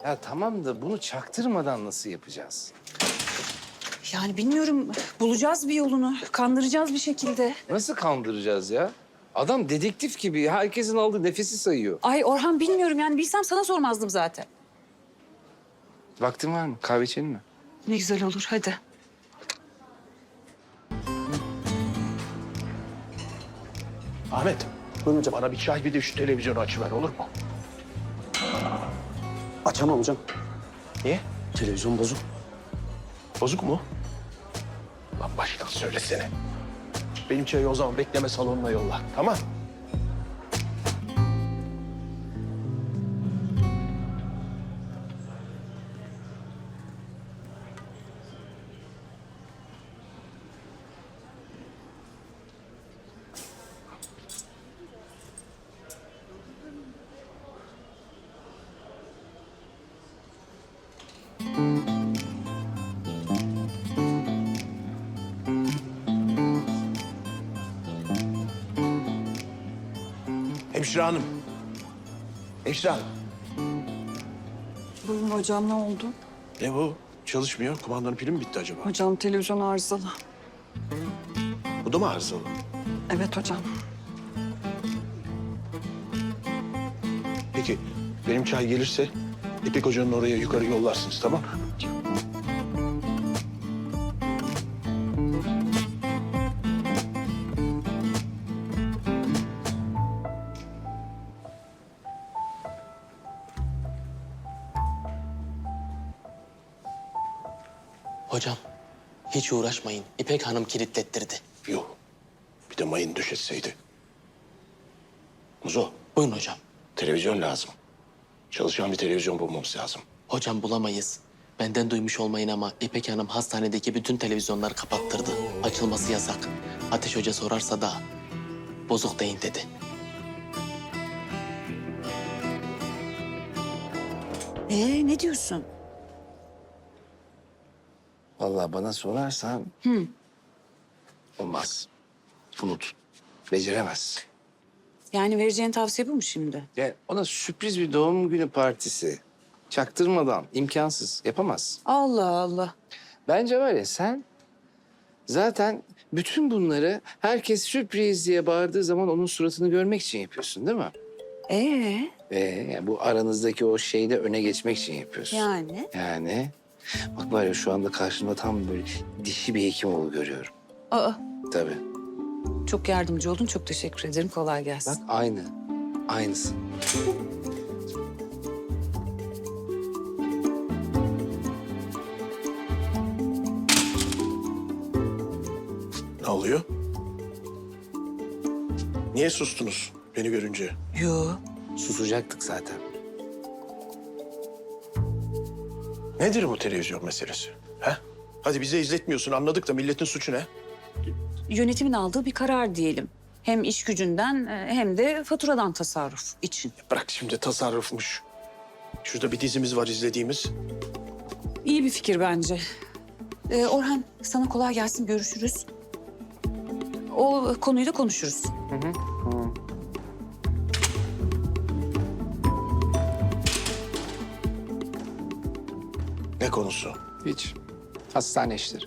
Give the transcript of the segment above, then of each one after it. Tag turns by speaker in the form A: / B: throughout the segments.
A: Ya tamam da bunu çaktırmadan nasıl yapacağız?
B: Yani bilmiyorum, bulacağız bir yolunu. Kandıracağız bir şekilde.
A: Nasıl kandıracağız ya? Adam dedektif gibi herkesin aldığı nefesi sayıyor.
B: Ay Orhan bilmiyorum yani bilsem sana sormazdım zaten.
A: Vaktin var mı? Kahve içelim mi?
B: Ne güzel olur hadi.
C: Ahmet, buyurun hocam. Bana bir çay bir de şu televizyonu açıver olur mu?
D: Açamam hocam.
C: Niye?
D: Televizyon bozuk.
C: Bozuk mu? Lan baştan söylesene. Benim çayı o zaman bekleme salonuna yolla. Tamam. Hemşire hanım. Hemşire hanım.
B: Buyurun hocam ne oldu?
C: Ne bu? Çalışmıyor. Kumandanın pili mi bitti acaba?
B: Hocam televizyon arızalı.
C: Bu da mı arızalı?
B: Evet hocam.
C: Peki benim çay gelirse İpek Hoca'nın oraya yukarı yollarsınız, tamam mı?
E: Hocam, hiç uğraşmayın. İpek Hanım kilitlettirdi.
C: Yok. Bir de mayın döşetseydi. Muzo,
E: Buyurun hocam.
C: televizyon lazım. Çalışan bir televizyon bulmamız lazım.
E: Hocam bulamayız. Benden duymuş olmayın ama İpek Hanım hastanedeki bütün televizyonları kapattırdı. Açılması yasak. Ateş Hoca sorarsa da bozuk deyin dedi.
B: Ne diyorsun?
A: Vallahi bana sorarsan... Olmaz. Unut. Beceremez.
B: Yani vereceğin tavsiye bu mu şimdi?
A: Yani ona sürpriz bir doğum günü partisi. Çaktırmadan, imkansız. Yapamaz.
B: Allah Allah.
A: Bence var ya sen... Zaten bütün bunları herkes sürpriz diye bağırdığı zaman onun suratını görmek için yapıyorsun değil mi? Yani bu aranızdaki o şeyde öne geçmek için yapıyorsun.
B: Yani?
A: Yani bak var ya şu anda karşımda tam böyle dişi bir hekimoğlu görüyorum.
B: Aa,
A: Tabii.
B: çok yardımcı oldun. Çok teşekkür ederim. Kolay gelsin.
A: Bak aynı. Aynısı.
C: Ne oluyor? Niye sustunuz beni görünce?
B: Yo.
A: Susacaktık zaten.
C: Nedir bu televizyon meselesi? He? Hadi bize izletmiyorsun, anladık da milletin suçu ne?
B: Yönetimin aldığı bir karar diyelim. Hem iş gücünden hem de faturadan tasarruf için.
C: Bırak şimdi tasarrufmuş. Şurada bir dizimiz var izlediğimiz.
B: İyi bir fikir bence. Orhan sana kolay gelsin. Görüşürüz. O konuyu da konuşuruz.
C: Ne konusu?
A: Hiç. Hastane işleri.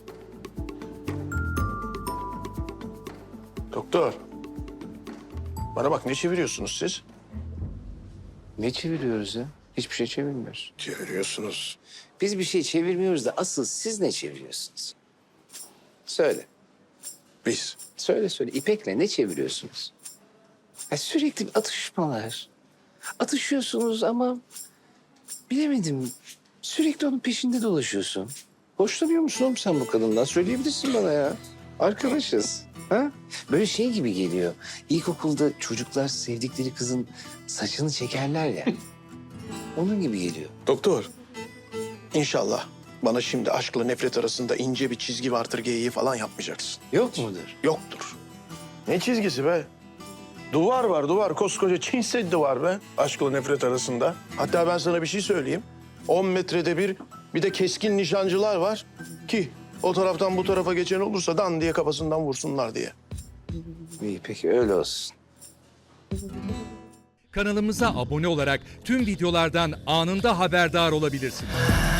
C: Doktor. Bana bak, ne çeviriyorsunuz siz?
A: Ne çeviriyoruz ya? Hiçbir şey çevirmiyoruz.
C: Çeviriyorsunuz.
A: Biz bir şey çevirmiyoruz da asıl siz ne çeviriyorsunuz? Söyle.
C: Biz.
A: Söyle. İpek'le ne çeviriyorsunuz? Ya sürekli atışmalar. Atışıyorsunuz ama bilemedim. Sürekli onun peşinde dolaşıyorsun. Hoşlanıyor musun oğlum sen bu kadından? Söyleyebilirsin bana ya. Arkadaşız. Ha? Böyle şey gibi geliyor. İlkokulda çocuklar sevdikleri kızın saçını çekerler ya. Onun gibi geliyor.
C: Doktor. İnşallah bana şimdi aşkla nefret arasında ince bir çizgi vardır geyiği falan yapmayacaksın.
A: Yok mudur?
C: Yoktur. Ne çizgisi be? Duvar var, duvar. Koskoca Çin Seddi var be. Aşkla nefret arasında. Hatta ben sana bir şey söyleyeyim. 10 metrede bir de keskin nişancılar var ki o taraftan bu tarafa geçen olursa dan diye kafasından vursunlar diye.
A: İyi peki öyle olsun.
D: Kanalımıza abone olarak tüm videolardan anında haberdar olabilirsiniz.